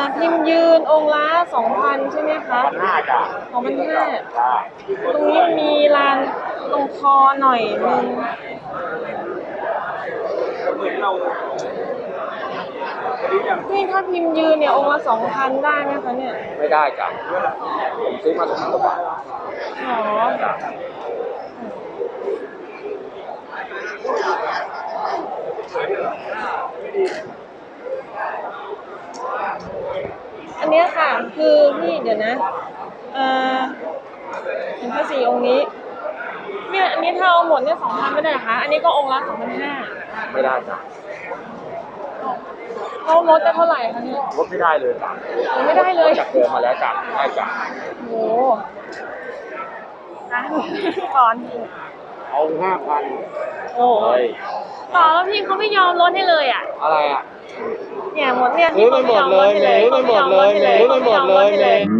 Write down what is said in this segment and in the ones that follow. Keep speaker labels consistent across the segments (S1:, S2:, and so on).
S1: พิมพ์ยืนองค์ละ2,000ใช่ไหมคะ
S2: 2,500จ้ะ
S1: 2,500ตรงนี้มีลานตรงคอหน่อยนึงนี่ถ้าพิมพ์ยืนเนี่ยองค์ละ2,000ได้ไหมคะเนี่ย
S2: ไม่ได้จ้ะผมซื้อมา2,000 กว่าบาท
S1: อ๋ออันนี้ค่ะคือพี่เดี๋ยวนะเห็นพระศรีองค์นี้เนี่ยอันนี้ถ้าเอาหมดเนี่ย2,000ไม่ได้เหรอคะอันนี้ก็องค์ละ2,500
S2: ไม่ได้จ้ะ
S1: เขาลดได้เท่าไหร่คะเนี่ย
S2: ลดไม่ได้เลยจ้ะ
S1: ไม่ได้เลย
S2: จากเดิมมาแล้วจ้ะได้จ้ะ
S1: โอ้ก่อน
S2: เอา5,000
S1: โอ้ยต่อแล้วพี่เขาไม่ยอมลดให้เลยอ่ะ
S2: อะไรอ่ะ
S1: เนี่ยหมดเนี่ยพี่เขาไม่ยอมลดให้เลยเขาไม่ยอมลดให้เลยเขาไม่ยอมลดให้เลย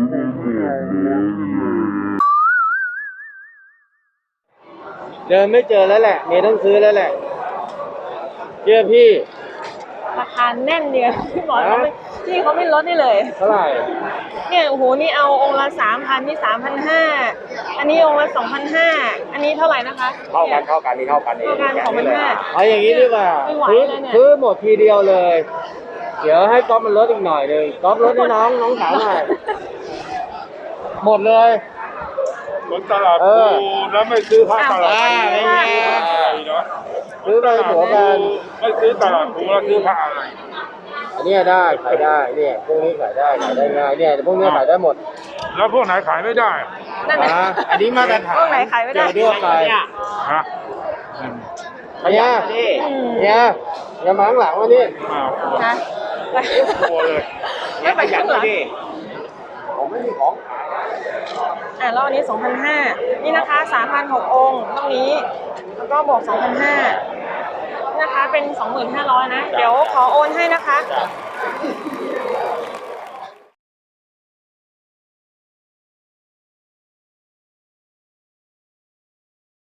S2: เดินไม่เจอแล้วแหละเมย์ต้องซื้อแล้วแหละเชื่อพี่
S1: ราคาแน่นเดียวพี่บอกเขาไม่ลดให้เลย
S2: เท่าไหร่
S1: เนี่ยโอ้โหนี่เอาองค์ละ3,000นี่3,500อันนี้องค์ละ2,500อันนี้เท่าไหร่นะคะ
S2: เท่ากันนี่เท่ากันเอง
S1: 2,500
S2: เอาอย่างนี้ดีกว่าซื้อหมดทีเดียวเลยเดี๋ยวให้ก๊อฟมันลดอีกหน่อยนึงก๊อฟลดให้น้องสาวหน่อยหมดเลย
S3: เหมือนตลาดปูแล้วไม่ซื้อผ้าตลาดปู
S2: ไม่ซื้อไปหัวกัน
S3: ไม่ซื้อตลาดปูแล้วซื้อผ้าอะไร
S2: อันนี้ได้ขายได้เนี่ยพวกนี้ขายได้ง่ายเนี่ยพวกนี้ขายได้หมด
S3: แล้วพวกไหนขายไม่ได้
S2: อันนี้มาตรฐาน
S1: พวกไหนขายไม่ได้
S2: ทั่วไป
S3: ฮะ
S2: เนี่ยอย่ามาข้างหลังวะนี่
S1: นะ
S3: กลัวเลย
S1: ไม่ไปข้างหลัง
S2: ผมไม่มีของ
S1: แล้วอันนี้2,500นี่นะคะ3,600องค์ตรงนี้แล้วก็บวก2,500นะคะเป็น 25,000นะเดี๋ยวขอโอนให้นะคะ